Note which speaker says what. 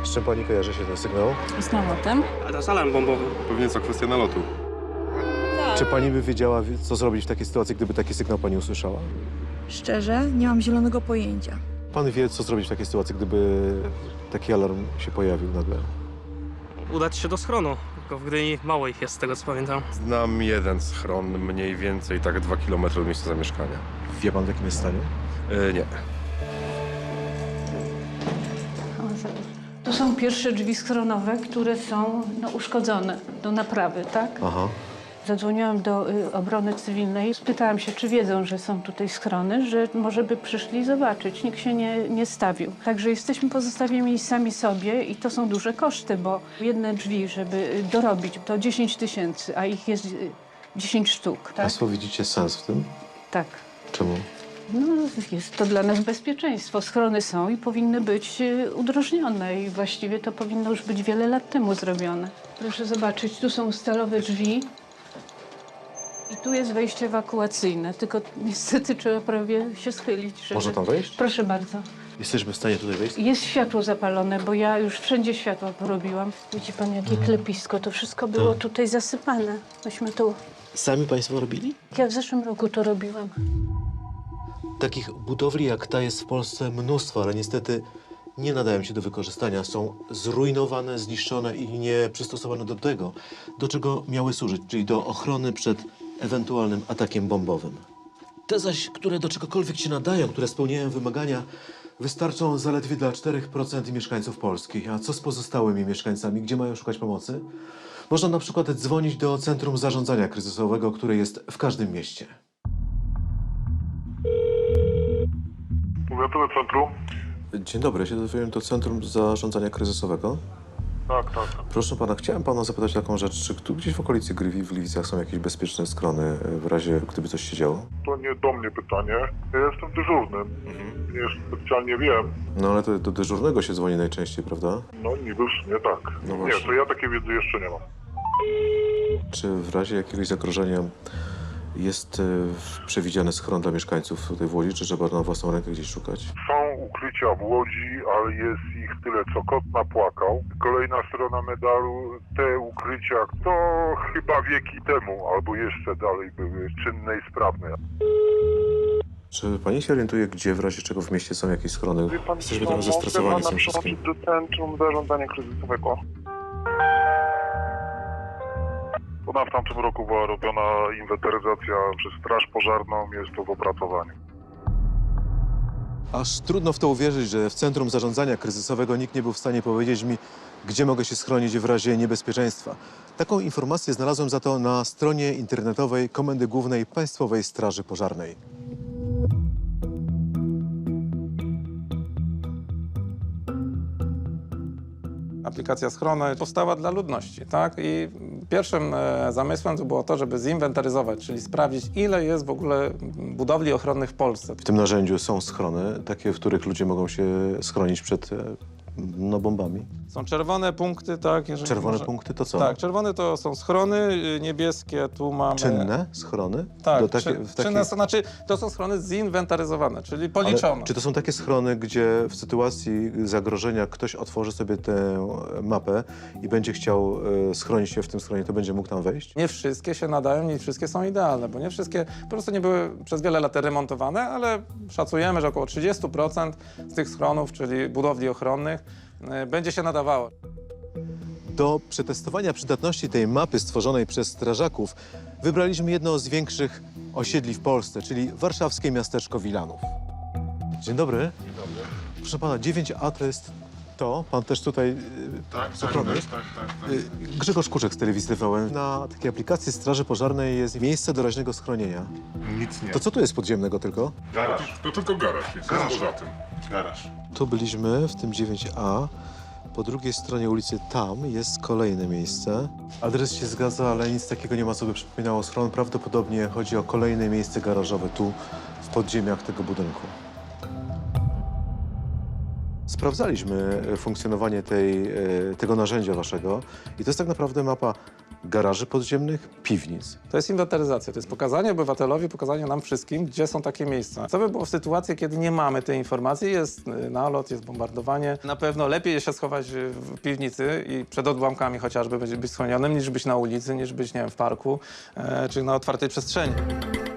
Speaker 1: Z czym pani kojarzy się ten sygnał?
Speaker 2: Z nalotem.
Speaker 3: A to jest alarm bombowy.
Speaker 4: Pewnie co kwestia nalotu.
Speaker 1: Czy pani by wiedziała, co zrobić w takiej sytuacji, gdyby taki sygnał pani usłyszała?
Speaker 5: Szczerze, nie mam zielonego pojęcia.
Speaker 1: Pan wie, co zrobić w takiej sytuacji, gdyby taki alarm się pojawił nagle?
Speaker 3: Udać się do schronu, tylko w Gdyni mało ich jest, z tego co pamiętam.
Speaker 4: Znam jeden schron, mniej więcej tak 2 km od miejsca zamieszkania.
Speaker 1: Wie pan, w jakim jest stanie?
Speaker 4: Nie.
Speaker 2: To są pierwsze drzwi schronowe, które są uszkodzone do naprawy, tak?
Speaker 1: Aha.
Speaker 2: Zadzwoniłam do obrony cywilnej, spytałam się, czy wiedzą, że są tutaj schrony, że może by przyszli zobaczyć. Nikt się nie stawił. Także jesteśmy pozostawieni sami sobie i to są duże koszty, bo jedne drzwi, żeby dorobić, to 10 000, a ich jest 10 sztuk, tak?
Speaker 1: Państwo widzicie sens w tym?
Speaker 2: Tak.
Speaker 1: Czemu?
Speaker 2: No, jest to dla nas bezpieczeństwo. Schrony są i powinny być udrożnione i właściwie to powinno już być wiele lat temu zrobione. Proszę zobaczyć, tu są stalowe drzwi i tu jest wejście ewakuacyjne, tylko niestety trzeba prawie się schylić, żeby...
Speaker 1: Można tam wejść?
Speaker 2: Proszę bardzo.
Speaker 1: Jesteśmy w stanie tutaj wejść?
Speaker 2: Jest światło zapalone, bo ja już wszędzie światła porobiłam. Widzi pan, jakie klepisko, to wszystko było tutaj zasypane. Myśmy tu...
Speaker 1: Sami państwo robili?
Speaker 2: Ja w zeszłym roku to robiłam.
Speaker 1: Takich budowli jak ta jest w Polsce mnóstwo, ale niestety nie nadają się do wykorzystania. Są zrujnowane, zniszczone i nie przystosowane do tego, do czego miały służyć, czyli do ochrony przed ewentualnym atakiem bombowym. Te zaś, które do czegokolwiek się nadają, które spełniają wymagania, wystarczą zaledwie dla 4% mieszkańców Polski. A co z pozostałymi mieszkańcami? Gdzie mają szukać pomocy? Można na przykład dzwonić do Centrum Zarządzania Kryzysowego, które jest w każdym mieście.
Speaker 6: Powiatowe centrum?
Speaker 1: Dzień dobry, ja się dowiedziałem do Centrum Zarządzania Kryzysowego.
Speaker 6: Tak, tak.
Speaker 1: Proszę pana, chciałem pana zapytać taką rzecz, czy tu gdzieś w okolicy Grywi, w Gliwicach są jakieś bezpieczne schrony w razie, gdyby coś się działo?
Speaker 6: To nie do mnie pytanie. Ja jestem dyżurnym. Nie specjalnie wiem.
Speaker 1: No ale to do dyżurnego się dzwoni najczęściej, prawda?
Speaker 6: No niby w sumie tak.
Speaker 1: No
Speaker 6: Nie,
Speaker 1: właśnie.
Speaker 6: to ja takiej wiedzy jeszcze nie mam.
Speaker 1: Czy w razie jakiegoś zagrożenia jest przewidziany schron dla mieszkańców tutaj w Łodzi, czy trzeba na własną rękę gdzieś szukać?
Speaker 6: Są ukrycia w Łodzi, ale jest ich tyle, co kot napłakał. Kolejna strona medalu, te ukrycia, to chyba wieki temu, albo jeszcze dalej były czynne i sprawne.
Speaker 1: Czy pani się orientuje, gdzie w razie czego w mieście są jakieś schrony?
Speaker 6: Wie pan,
Speaker 1: Jesteśmy
Speaker 6: co,
Speaker 1: trochę zestresowani
Speaker 6: mogę
Speaker 1: tym
Speaker 6: pana
Speaker 1: wszystkim.
Speaker 6: przełączyć do Centrum Zarządzania Kryzysowego. Ona w tamtym roku była robiona inwentaryzacja przez Straż Pożarną, jest to w opracowaniu.
Speaker 1: Aż trudno w to uwierzyć, że w Centrum Zarządzania Kryzysowego nikt nie był w stanie powiedzieć mi, gdzie mogę się schronić w razie niebezpieczeństwa. Taką informację znalazłem za to na stronie internetowej Komendy Głównej Państwowej Straży Pożarnej.
Speaker 7: Aplikacja Schrony powstała dla ludności, tak? I pierwszym zamysłem to było to, żeby zinwentaryzować, czyli sprawdzić, ile jest w ogóle budowli ochronnych w Polsce.
Speaker 1: W tym narzędziu są schrony, takie, w których ludzie mogą się schronić przed bombami.
Speaker 7: Są czerwone punkty, tak? Jeżeli
Speaker 1: Czerwone punkty to co?
Speaker 7: Tak, czerwone to są schrony, niebieskie tu mamy...
Speaker 1: Czynne schrony?
Speaker 7: Tak,
Speaker 1: w
Speaker 7: czynne, znaczy to są schrony zinwentaryzowane, czyli policzone.
Speaker 1: Ale czy to są takie schrony, gdzie w sytuacji zagrożenia ktoś otworzy sobie tę mapę i będzie chciał schronić się w tym schronie, to będzie mógł tam wejść?
Speaker 7: Nie wszystkie się nadają, nie wszystkie są idealne, bo nie wszystkie po prostu nie były przez wiele lat remontowane, ale szacujemy, że około 30% z tych schronów, czyli budowli ochronnych, będzie się nadawało.
Speaker 1: Do przetestowania przydatności tej mapy stworzonej przez strażaków wybraliśmy jedno z większych osiedli w Polsce, czyli warszawskie miasteczko Wilanów. Dzień dobry.
Speaker 6: Dzień dobry.
Speaker 1: Proszę pana, 9A to jest to. Pan też tutaj z ochrony jest?
Speaker 6: Tak.
Speaker 1: Grzegorz Kuczek z telewizji TVN. Na takiej aplikacji Straży Pożarnej jest miejsce doraźnego schronienia.
Speaker 6: Nic nie.
Speaker 1: To co tu jest podziemnego tylko?
Speaker 6: Garaż. To tylko garaż jest. Garaż. Poza tym. Garaż.
Speaker 1: Tu byliśmy w tym 9A. Po drugiej stronie ulicy tam jest kolejne miejsce. Adres się zgadza, ale nic takiego nie ma, co by przypominało schron. Prawdopodobnie chodzi o kolejne miejsce garażowe tu w podziemiach tego budynku. Sprawdzaliśmy funkcjonowanie tego narzędzia waszego i to jest tak naprawdę mapa garaży podziemnych, piwnic.
Speaker 7: To jest inwentaryzacja, to jest pokazanie obywatelowi, pokazanie nam wszystkim, gdzie są takie miejsca. Co by było w sytuacji, kiedy nie mamy tej informacji, jest nalot, jest bombardowanie. Na pewno lepiej się schować w piwnicy i przed odłamkami chociażby być schronionym, niż być na ulicy, niż być, nie wiem, w parku czy na otwartej przestrzeni.